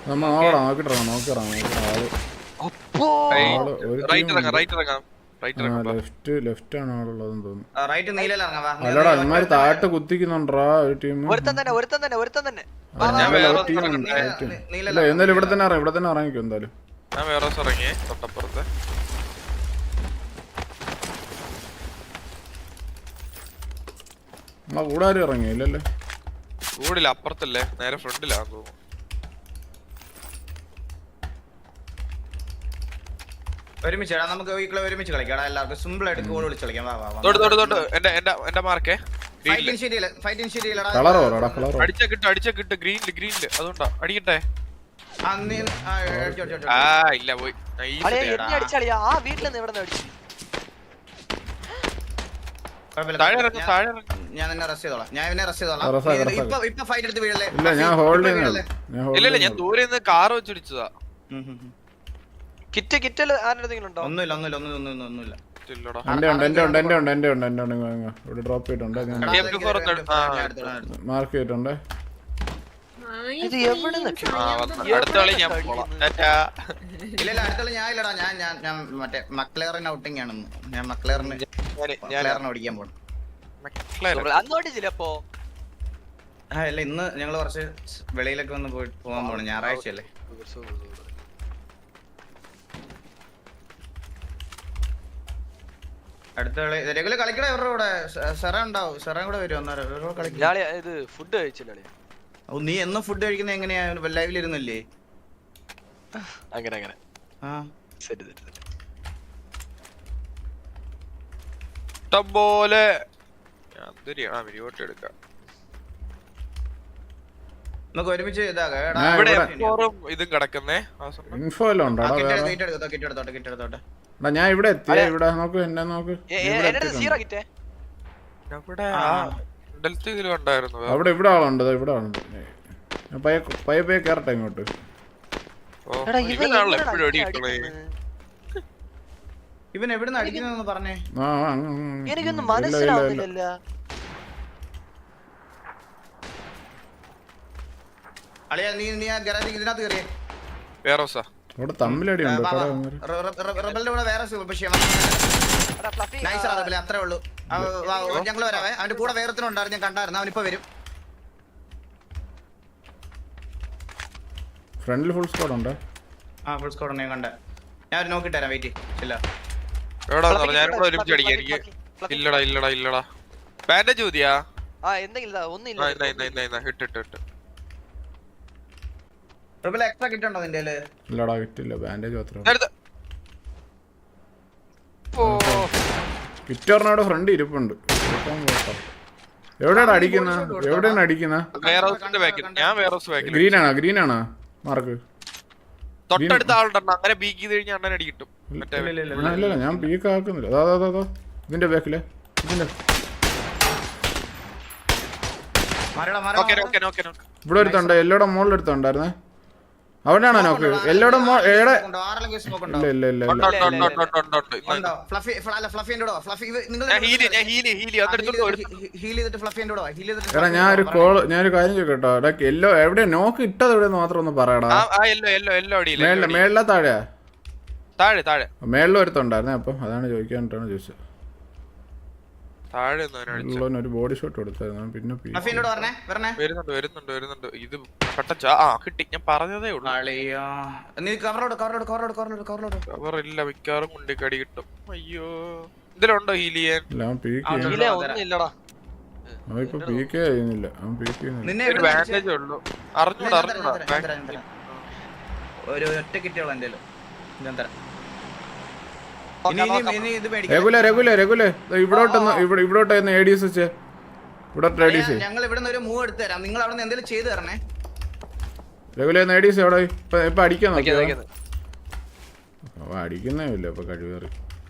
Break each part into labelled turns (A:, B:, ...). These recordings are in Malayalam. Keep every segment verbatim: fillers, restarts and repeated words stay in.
A: നമ്മ നോക്കടാ നോക്കിട്ടിറങ്ങാം നോക്കിറങ്ങാം ലെഫ്റ്റ് ലെഫ്റ്റ് ആണ് ആളുള്ളതെന്ന് തോന്നുന്നു. അല്ലടാ ഇമാര് താഴത്ത് കുത്തിക്കുന്നുണ്ടാ ഒരു ടീം. ഇല്ല എന്തായാലും ഇവിടെ തന്നെ ഇറങ്ങി ഇവിടെ തന്നെ ഇറങ്ങിക്കോ എന്തായാലും. നമ്മളെ കൂടെ ആരും ഇറങ്ങി ഇല്ലല്ലേ?
B: കൂടില്ല, അപ്പുറത്തല്ലേ, നേരെ ഫ്രണ്ടിലാന്ന് തോന്നുന്നു.
C: ഒരുമിച്ച് നമുക്ക് ഒരുമിച്ച് കളിക്കാം എല്ലാവർക്കും സിമ്പിൾ ആയിട്ട് ഗോൾ വിളിച്ച് കളിക്കാം.
B: അടിച്ച കിട്ടും അടിച്ച കിട്ടും ഗ്രീനില് ഗ്രീനില് അതുകൊണ്ടാ അടിക്കട്ടെ. ആ ഇല്ല പോയി
C: ഞാൻ നിന്നെ റെസ്റ്റ് ചെയ്തോളാം. ഞാൻ ഇവനെ റെസ്റ്റ് ചെയ്തോളാം. ഇപ്പൊ ഫൈറ്റ് എടുത്ത് വീഴല്ലേ?
A: ഇല്ല ഞാൻ ഹോൾഡ്
B: ഇല്ല ഞാൻ ദൂരെ നിന്ന് കാറ് വെച്ചടിച്ചതാ.
D: കിറ്റ് കിറ്റല് ആരെന്തെങ്കിലും ഉണ്ടോ?
C: ഒന്നുമില്ല ഒന്നുമില്ല ഒന്നും ഒന്നുമില്ല.
A: എന്റെ ഉണ്ട് എന്റെ ഉണ്ട് എന്റെ ഉണ്ട് എന്റെ ഉണ്ട് എന്റെ ഉണ്ട് ഇവിടെ ഡ്രോപ്പ് ചെയ്തിട്ടുണ്ട് മാർക്ക് ചെയ്തിട്ടുണ്ട്.
D: ഇത് എവിടെ
B: അടുത്ത കളി ഞാൻ പോവാം.
C: ഇല്ല ഇല്ല അടുത്ത ഞാൻ ഇല്ലടാ ഞാൻ ഞാൻ ഞാൻ മറ്റേ മക്ലേറിന് ഔട്ടിംഗ് ആണെന്ന്. ഞാൻ മക്ലേറിന് മക്ലേറിന് ഓടിക്കാൻ പോണം.
D: അപ്പോ
C: ആ ഇല്ല ഇന്ന് ഞങ്ങള് കുറച്ച് വെളിയിലൊക്കെ ഒന്ന് പോയി പോകാൻ പോണം. ഞായറാഴ്ച അല്ലേ? അടുത്ത കളി രഘുല കളിക്കട ഇവരുടെ കൂടെ സെറ ഉണ്ടാവും. സെറ കൂടെ വരും അന്നേരം കളിക്കും.
D: ഇത് ഫുഡ് കഴിച്ചില്ലേ?
C: ഓ നീ എന്നും ഫുഡ് കഴിക്കുന്നത് എങ്ങനെയാ? ലൈവിലിരുന്നല്ലേ?
D: അങ്ങനെ അങ്ങനെ
C: ആ
D: ശരി ശരി
B: പോലെ എടുക്കാം.
C: നമുക്ക് ഒരുമിച്ച് ഇതാകാം.
B: ഇതും കിടക്കുന്നേ
A: ഇൻഫോ എല്ലാം ഉണ്ടോ? ഞാൻ ഇവിടെ എത്തിയ ഇവിടെ നോക്ക് എന്നെ നോക്ക് അവിടെ ഇവിടെ ആളുണ്ട് ഇവിടെ ആളുണ്ട്. പയ്യ പയ്യ പയ്യ കേറട്ടെ ഇങ്ങോട്ട്.
C: ഇവൻ എവിടുന്ന് അടിക്കുന്നതെന്ന് പറഞ്ഞേ.
D: എനിക്കൊന്നും മനസ്സിലാവുന്നില്ല.
C: അളിയാ നീ നീ ആ ഗരാജ് ഇതിനകത്ത് കയറിയേ.
B: വേറോസാ
A: അവിടെ തമ്മിലടി ഉണ്ട്.
C: റബലിന്റെ കൂടെ വേറെ അത്രേ ഉള്ളൂ. ഞങ്ങള് വരാവേ. അവന്റെ കൂടെ വേറത്തിനുണ്ടായിരുന്നു, ഞാൻ കണ്ടായിരുന്നു. അവനിപ്പോ വരും.
A: ഫ്രണ്ടിൽ ഫുൾ സ്ക്വാഡ് ഉണ്ട്.
C: ആ ഫുൾ സ്ക്വാഡ് ഉണ്ട്, ഞാൻ കണ്ട. ഞാൻ ഒരു നോക്കിട്ട് തരാം. വെയിറ്റ് ഇല്ല
B: ഇല്ലടാ ഇല്ലടാ ഇല്ലടാ ബാൻഡേജ് മതിയാ?
C: എക്സ്ട്രാ കിട്ടുണ്ടോ നിന്റെ?
A: ഇല്ലടാ കിട്ടില്ല, ബാൻഡേജ് മാത്രം. കിറ്ററിനോട് ഫ്രണ്ട് ഇരിപ്പുണ്ട്. എവിടെയാണ് അടിക്കുന്ന? എവിടെയാണ് അടിക്കുന്ന? ഗ്രീൻ ആണോ? ഗ്രീൻ ആണോ മാർക്ക്?
B: തൊട്ടടുത്ത ആളുണ്ടോ? അങ്ങനെ ബീക്ക് ചെയ്ത് കഴിഞ്ഞാൽ അണ്ണൻ അടി കിട്ടും.
A: ഇല്ല ഞാൻ പീക്ക് ആക്കുന്നില്ല. അതാ അതാ അതാ ഇതിന്റെ ബാക്കില് ഇതിന്റെ ഇവിടെ ഒരുത്തുണ്ട്. എല്ലോടെ മുകളിൽ എടുത്തുണ്ടായിരുന്നേ. അവിടെയാണോ നോക്ക്? എല്ലോടെ ഇല്ല ഇല്ല ഇല്ല എടാ ഞാനൊരു കോള് ഞാനൊരു കാര്യം ചോദിക്കട്ടോ. എടാ എല്ലോ എവിടെയാ നോക്ക് ഇട്ടത്? എവിടെയെന്ന് മാത്രം ഒന്ന് പറയടാ. മേളില മേളില താഴെയാ?
B: താഴെ താഴെ
A: മേളിൽ ഒരുത്തുണ്ടായിരുന്നേ. അപ്പം അതാണ് ചോദിക്കാനായിട്ടാണ് ചോദിച്ചത്. ഒരു ബോഡി ഷോട്ട് കൊടുത്തായിരുന്നു. പിന്നെ
B: വരുന്നുണ്ട് വരുന്നുണ്ട് വരുന്നുണ്ട്. ഇത് കിട്ടി. ഞാൻ പറഞ്ഞതേ ഉള്ളൂ. കവറില്ല, മിക്കവാറും മുണ്ടിക്കടി കിട്ടും. അയ്യോ ഇതിലുണ്ടോ ഹീൽ ചെയ്യാൻ?
A: ഇപ്പൊ പീക്കേ ചെയ്യുന്നില്ല. അവൻ പീക്ക് ചെയ്യുന്നില്ല.
B: ബാൻഡേജ് ഉള്ളൂ. അറിഞ്ഞൂടാ അറിഞ്ഞൂടാ
C: ഒരു ഒറ്റ കിട്ടിയോളൂ എന്റെ.
A: രഘുല രഘുല രഘുല ഇവിടോട്ടൊന്ന് ഇവിടെ ഇവിടോട്ടായിരുന്നു എ ഡി എസ് വെച്ച്. ഇവിടെ
C: ഞങ്ങൾ ഇവിടെ ഒരു മൂവ് എടുത്തു തരാം. നിങ്ങൾ അവിടെ എന്തെങ്കിലും ചെയ്ത് തരണേ.
A: രഘുല എ ഡി എസ് എവിടെ? ഇപ്പൊ ഇപ്പൊ അടിക്കാൻ നോക്കിയോ? അടിക്കുന്നേ ഇല്ല ഇപ്പൊ കഴിവേറി.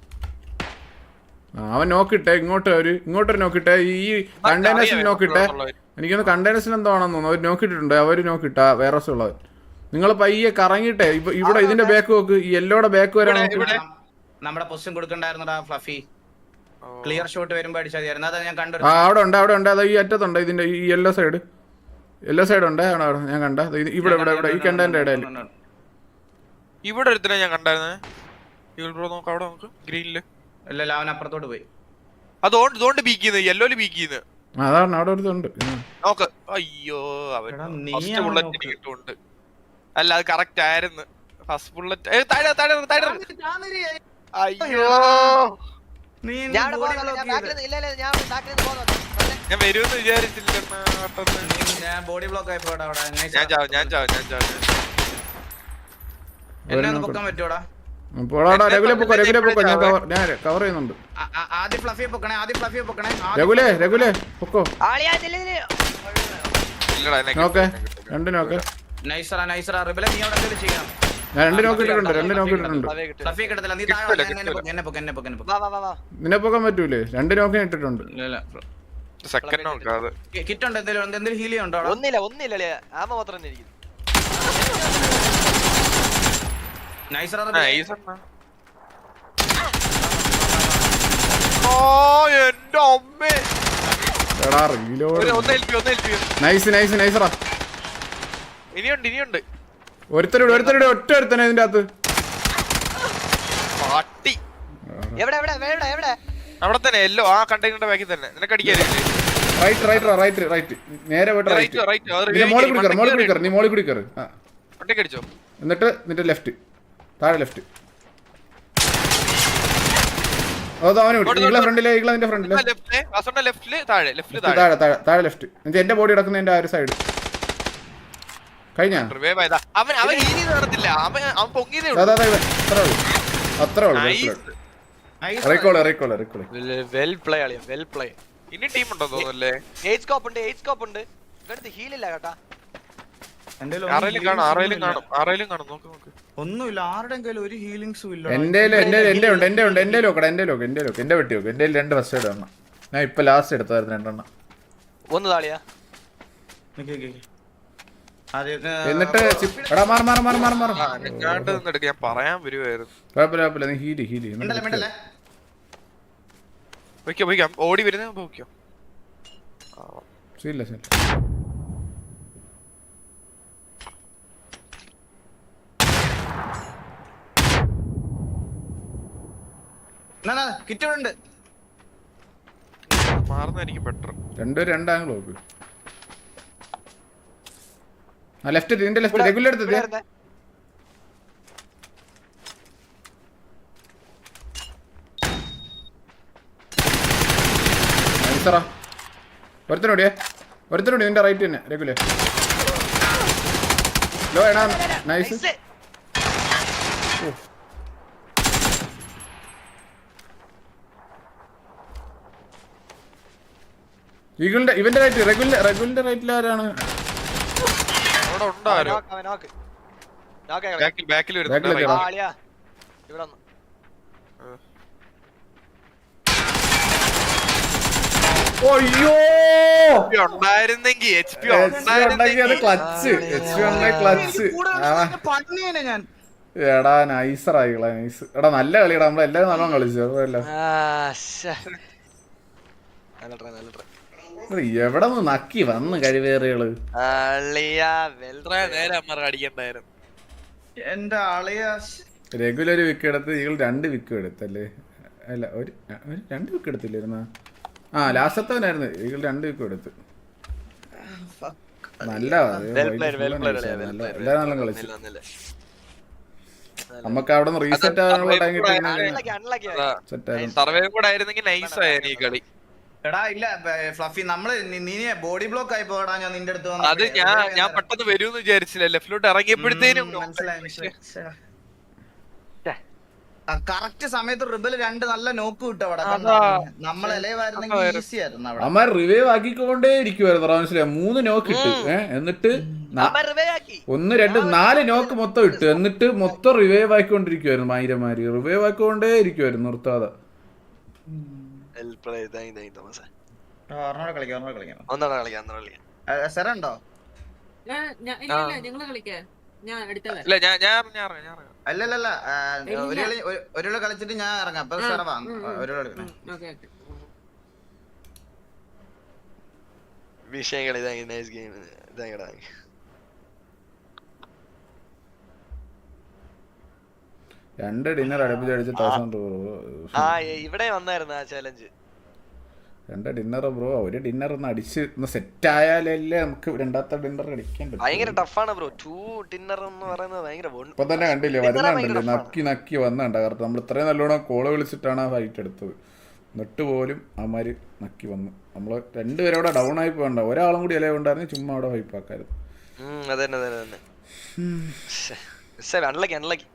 A: അവൻ നോക്കിട്ടെ ഇങ്ങോട്ട് ഒരു ഇങ്ങോട്ടൊരു നോക്കിട്ടെ. ഈ കണ്ടെയ്നേഴ്സിൽ നോക്കിട്ടെ. എനിക്കൊന്ന് കണ്ടെയ്നേഴ്സിൽ എന്തോ ആണെന്ന് തോന്നുന്നു. അവർ നോക്കിയിട്ടുണ്ട്. അവർ നോക്കിട്ടാ വേറെ ഉള്ളത്. നിങ്ങൾ പയ്യെ കറങ്ങിട്ടെ. ഇപ്പൊ ഇവിടെ ഇതിന്റെ ബാക്ക് നോക്ക്. ഈ യെല്ലോടെ ബാക്ക് വരാൻ നോക്കി.
C: നമ്മുടെ പൊസിഷൻ കൊടുക്കണ്ടായിരുന്നടാ ഫ്ലഫി. ക്ലിയർ ഷോട്ട് വരുമ്പോ അടിച്ചാൽ ഞാൻ കണ്ടു.
A: ആ അവിടെ ഉണ്ട് അവിടെ ഉണ്ട്. അത് ഈ അറ്റത്തുണ്ട്. ഇതിന്റെ ഈ യെല്ലോ സൈഡ് എല്ലാ സൈഡും ഉണ്ട് അവിടെ അവിടെ ഞാൻ കണ്ട ഇത് ഇവിടെ ഇവിടെ ഇവിടെ ഈ കണ്ടതിന്റെ ഇടയിൽ
B: ഇവിടെ ഒരുത്തനെ ഞാൻ കണ്ടായിരുന്നേ. ബ്രോ നോക്ക് അവിടെ നോക്ക് ഗ്രീനില്.
C: ഇല്ല അവൻ അപ്പുറത്തോട്ട് പോയി.
B: അതോണ്ട് ഇതോണ്ട് ബീക്കിന്ന് യെല്ലോയില് ബീക്കിന്ന്.
A: അതാണ് അവിടെ ഒരു ഉണ്ട്
B: നോക്ക്. അയ്യോ അവൻ ഫസ്റ്റ് ബുള്ളറ്റ് കിട്ടുന്നുണ്ട്. അല്ല അത് കറക്റ്റ് ആയിരുന്നു. ഫസ്റ്റ് ബുള്ളറ്റ് താഴെ താഴെ താഴെ. അയ്യോ
D: ഞാൻ ഇവിടെ പോകുന്നു, ഞാൻ back ല്- ഇല്ല, ഇല്ല, ഞാൻ back ല് പോകുന്നു. പറഞ്ഞേ.
B: ഞാൻ വരുമെന്ന് വിചാരിച്ചില്ല.
C: ഞാൻ ബോഡി ബ്ലോക്ക് ആയിപ്പോടാ അവിടെ.
B: ഞാൻ ചാവും ഞാൻ ചാവും ഞാൻ ചാവും.
C: എന്നെ ഒന്ന് പൊക്കാൻ പറ്റൂടാ?
A: പോടാ രഘുലെ പൊക്കോ രഘുലെ പൊക്കോ ഞാൻ കവർ ഞാൻ കവർ ചെയ്യുന്നുണ്ട്.
C: ആ- ആ- ആദ്യം ഫ്ലഫിയെ പൊക്കണേ, ആദ്യം ഫ്ലഫിയെ പൊക്കണേ. ആദ്യം
A: രഘുലെ രഘുലെ പൊക്കോ.
D: ആളിയാ, ഇല്ല, ഇല്ല, ഇല്ല.
B: ഇല്ലടാ എന്നെ
A: നോക്കേ രണ്ട് നോക്ക്.
C: നൈസറാ നൈസറാ റിബലെ നീ അവിടെ എന്തെങ്കിലും ചെയ്യണം.
A: ഞാൻ രണ്ട് നോക്കിയിട്ടുണ്ട് രണ്ട് നോക്കിയിട്ടുണ്ട്.
D: അവയെ കിട്ടും.
C: ഫ്ലഫിയെ കിട്ടത്തില്ല. നീ താഴെ വാ, ഞാൻ എന്നെ പൊക്ക്, എന്നെ പൊക്ക്, എന്നെ പൊക്ക്, എന്നെ പൊക്ക്.
D: വാ, വാ, വാ, വാ.
A: നിന്നെ പൊക്കാൻ പറ്റൂലേ? രണ്ട് നോക്കി ഇട്ടിട്ടുണ്ട്.
C: ഇല്ല, ഇല്ല.
B: സെക്കൻഡ് നോക്കാതെ.
C: കി- കിറ്റ് ഉണ്ട് എന്തെങ്കിലും എന്തെങ്കിലും ഹീൽ ഉണ്ടോ അവിടെ?
D: ഒന്നില്ല, ഒന്നില്ല, അളിയാ. ആമ മാത്രം തന്നെ ഇരിക്കുന്നു.
C: നൈസറാ
B: ആ,
C: റിബലെ.
B: ഈ സണ്ണ. ഓ എന്റെ അമ്മേ.
A: എടാ റീലോഡ്.
B: ഒരു- ഒന്ന് ഹെൽപ്പ് ഒന്ന് ഹെൽപ്പ് ചെയ്യും.
A: നൈസ് നൈസ് നൈസറാ.
B: ഇനിയുണ്ട് ഇനിയുണ്ട്.
A: ഒരുത്തരുടെ ഒരുത്തരുടെ ഒറ്റ ഒരുത്തനെ ഇതിന്റെ അകത്ത്.
B: പാട്ടി
D: എവിടെ, എവിടെ, എവിടെ, എവിടെ?
B: അവിടെ തന്നെ എല്ലോ ആ കണ്ടെയ്നറിന്റെ ബാക്കിൽ തന്നെ. നിനക്ക് അടിക്കാറില്ലേ?
A: റൈറ്റ് റൈറ്റ് റൈറ്റ് റൈറ്റ് നേരെ പോയിട്ട്
B: റൈറ്റ്
A: റൈറ്റ്.
B: റൈറ്റ് അത്
A: നീ മോളിൽ കൂടി കയറ് മോളിൽ കൂടി കയറ് നീ മോളിൽ കൂടി കയറ്. ആ
B: ഒറ്റയ്ക്ക് അടിച്ചോ.
A: എന്നിട്ട് നിന്റെ ലെഫ്റ്റ് താഴെ ലെഫ്റ്റ്. അതോ അവനെ വിട്ടു. ഈകളെ ഫ്രണ്ടിലെ ഈകളെ നിന്റെ ഫ്രണ്ടിലെ
B: ലെഫ്റ്റില് വാസോണ്ട ലെഫ്റ്റില് താഴെ ലെഫ്റ്റില് താഴെ
A: താഴെ താഴെ താഴെ ലെഫ്റ്റ്. എന്നിട്ട് എന്റെ ബോഡി കിടക്കുന്നതിന്റെ ആ ഒരു സൈഡ് കഴിഞ്ഞാ.
B: റിവൈവ് ആയതാ. അവൻ അവൻ ഈനി നടത്തില്ല. അവൻ അവൻ പൊങ്ങിയതേ
A: അതാ
B: ഉള്ളൂ.
A: അതാ അത്രേ ഉള്ളൂ അത്രേ ഉള്ളൂ.
B: Nice.
A: Recall recall recall.
D: Well play അളിയാ, വെൽ പ്ലേ.
B: ഇനി ടീം ഉണ്ടോ തോന്നുന്നല്ലേ?
D: എയ്റ്റ് സ്കോപ്പ് ഉണ്ട്, എയ്റ്റ് സ്കോപ്പ് ഉണ്ട്. ഇവിടുത്തെ ഹീൽ ഇല്ല കേട്ടാ.
C: എന്തെങ്കിലും
B: ആറേലും കാണും ആറേലും കാണും ആറേലും കാണും. നോക്ക് നോക്ക്.
C: ഒന്നുമില്ല. ആരുടെ കയ്യിലും ഒരു ഹീലിംഗ്സും ഇല്ല.
A: എന്റെ എന്റെ എന്റെ ഉണ്ട് എന്റെ ഉണ്ട് എന്റെ ലോക്കട എന്റെ ലോക്ക് എന്റെ ലോക്ക് എന്റെ വെട്ടി നോക്ക്. എന്റെ രണ്ട് ഫസ്റ്റ് എയ്ഡ് എണ്ണം ഞാൻ ഇപ്പൊ ലാസ്റ്റ് എടുത്തായിരുന്നു രണ്ടെണ്ണം.
D: ഒന്ന് താളിയാ.
C: നിക്ക് നിക്ക് നിക്ക്. ആദ്യം, ഏ,
A: എന്നിട്ട് ചി- എടാ മാറി മാറി മാറി മാറി മാറി
B: ആ, ഞാണ്ട് നിന്നെടുക്ക ഞാൻ പറയാൻ വരുവായിരുന്നു.
A: കുഴപ്പമില്ല കുഴപ്പമില്ല നീ ഹീല് ഹീല്
C: മിണ്ടല്ലേ മിണ്ടല്ലേ.
B: വയ്ക്കാം വയ്ക്കാം. ഓടി വരുന്ന വയ്ക്കാം.
A: ശരിയില്ല ശരി.
C: എന്നാ, എന്നാ, കിറ്റ് ഇവിടെ ഉണ്ട്.
B: മാറുന്നതായിരിക്കും ബെറ്റർ.
A: രണ്ടും രണ്ടാംഗിൾ നോക്ക്. ആ ലെഫ്റ്റ് നിന്റെ ലെഫ്റ്റ് റെഗുലർ എടുത്തത്.
D: ഇവിടെ ഇരുന്നേ.
A: നൈസറാ. ഒരുത്തനോടിയേ ഒരുത്തനോടി നിന്റെ റൈറ്റ് തന്നെ റെഗുലർ. ലോ എടാ നൈസ്.
D: നൈസ്.
A: ഈഗിളിന്റെ ഇവന്റെ റൈറ്റ് റെഗുലർ റെഗുലറിന്റെ റൈറ്റിൽ ആരാണ്?
B: അവിടെ ഉണ്ടാരോ?
D: നോക്ക്, അവൻ നോക്ക്. നോക്ക് കളി.
B: ബാക്കിൽ ബാക്കിൽ
A: Back ല്
B: വരുന്നുണ്ട്.
A: കേറാം.
D: ആ, അളിയാ. ഇവിടെ വന്നു.
A: അയ്യോ
B: ഉണ്ടായിരുന്നെങ്കി എച്ച് പി
A: ഉണ്ടാക്കിയത് ക്ലച്ച് എച്ച് ഉണ്ടായി ക്ലച്ച്.
C: കൂടെ
A: ആ
C: വന്ന് പണിയേനെ ഞാൻ.
A: എടാ നൈസറായികളെ നൈസ്. എടാ നല്ല കളിയടാ നമ്മളെല്ലാരും നല്ലോണം കളിച്ചു. അതുപോലെ
D: ആ, ശ്ശെ. നല്ല try, നല്ല try.
A: എവിടെ നിന്ന് നക്കി വന്ന് കഴിവേറികള്.
D: അളിയാ, well
B: എത്ര നേരം അമ്മ അടിക്കണ്ടായിരുന്നു.
C: എന്റെ ആളിയാ.
A: റെഗുലർ വിക്ക് എടുത്ത് ഈകൾ രണ്ട് വിക്ക് എടുത്തല്ലേ? അല്ല ഒരു ഒരു രണ്ട് വിക്ക് എടുത്തില്ലായിരുന്ന? ആ ലാസ്റ്റത്തവനായിരുന്നു ഈകൾ രണ്ട് വിക്ക് എടുത്ത്. നല്ല
D: well played, well played അളിയാ, well played.
A: എല്ലാരും നല്ല കളിച്ചു.
D: ഒന്നില്ല, ഒന്നില്ല.
A: നമുക്ക് അവിടെ നിന്ന് റീസെറ്റ് ആകാനുള്ള ടൈം കിട്ടി.
D: Unlucky, unlucky ആയി.
A: സെറ്റ് ആയിരുന്നു.
B: സർവേ കൂടെ ആയിരുന്നെങ്കിൽ നൈസ് ആയിരുന്നു ഈ കളി.
C: എടാ ഇല്ല ഫ്ലഫി നമ്മള് നി- നീ ബോഡി ബ്ലോക്ക് ആയി പോടാ. ഞാൻ നിന്റെ അടുത്ത് വന്നപ്പോ.
B: അത് ഞാൻ ഞാൻ പെട്ടെന്ന് വരുമെന്ന് വിചാരിച്ചില്ല. ലെഫ്റ്റിലോട്ട് ഇറങ്ങിയപ്പോഴത്തേനും
C: ഉം, മനസ്സിലായി മനസ്സിലായി. കറക്റ്റ് സമയത്ത് റിബൽ രണ്ട് നല്ല നോക്ക് കിട്ടും അവിടെ.
B: അതാ.
C: നമ്മൾ ഇലവായിരുന്നെങ്കിൽ ഈസി ആയിരുന്നു അവിടെ.
A: അമ്മ റിവൈവ് ആക്കിക്കൊണ്ടേ ഇരിക്കുവായിരുന്നു. മനസ്സിലായി മൂന്ന് നോക്ക് ഇട്ട് ഏഹ് എന്നിട്ട് ന-
D: അവൻ revive ആക്കി.
A: ഒന്ന് രണ്ട് നാല് നോക്ക് മൊത്തം ഇട്ട് എന്നിട്ട് മൊത്തം റിവൈവ് ആയിക്കൊണ്ടിരിക്കുവായിരുന്നു. മൈരമാര് റിവൈവ് ആക്കിക്കൊണ്ടേ ഇരിക്കുവായിരുന്നു നിർത്താതെ.
D: Well played, thank you, thank you, തോമസേ.
C: ആ, ഒരെണ്ണം കൂടെ കളിക്കാം ഒരെണ്ണം കൂടെ കളിക്കാം.
D: ഒന്നുകൂടെ കളിക്കാം, ഒന്നുകൂടെ കളിക്കാം.
C: സെറ ഉണ്ടോ?
E: ഞാൻ- ഞാൻ- ഇല്ല, ഇല്ല, നിങ്ങള് കളിക്ക്. ഞാൻ അടുത്ത വരാം.
B: ഇല്ല ഞാൻ ഞാൻ ഞാൻ ഇറങ്ങാം, ഞാൻ ഇറങ്ങാം.
C: അല്ലല്ല
E: ഇല്ല.
C: ഒരു കളി ഒരു- ഒരു കളി കളിച്ചിട്ട് ഞാൻ ഇറങ്ങാം. അപ്പൊ സെറ വാ.
E: ഉം, ഉം.
C: ഒരു കളി കളിക്കണം.
E: ഉം, ഓക്കേ, ഓക്കേ.
D: വിഷയം കളി, thank you, nice game. ഇതാ
A: രണ്ട് ഡിന്നർ അടുപ്പിച്ച് അടിച്ച് തൗസൻഡ് ബ്രോ.
D: ആ ഇവിടെ വന്നായിരുന്നു ആ ചാലഞ്ച്.
A: രണ്ട് ഡിന്നർ ബ്രോ, ഒരു ഡിന്നർ ഒന്ന് അടിച്ച് ഒന്ന് സെറ്റ് ആയാലല്ലേ നമുക്ക് രണ്ടാമത്തെ ഡിന്നർ അടിക്കാൻ പറ്റും.
D: ഭയങ്കര ടഫാണ് ബ്രോ. ടു ഡിന്നർ എന്ന് പറയുന്നത് ഭയങ്കര.
A: ഇപ്പൊ തന്നെ കണ്ടില്ലേ വരുന്നുണ്ടല്ലേ, നക്കി നക്കി വന്നണ്ട. കാരണം നമ്മൾ ഇത്രയും നല്ലോണം കോള് വിളിച്ചിട്ടാണ് ആ ഫൈറ്റ് എടുത്തത്. എന്നിട്ട് പോലും അവന്മാര് നക്കി വന്നു. നമ്മള് രണ്ടുപേരോടെ ഡൗൺ ആയി പോകണ്ട, ഒരാളും കൂടി ഇല ഉണ്ടായിരുന്നു ചുമ്മാ അവിടെ വൈപ്പാക്കായിരുന്നു.
D: അതന്നെ അതന്നെ അൺലക്കി അൺലക്കി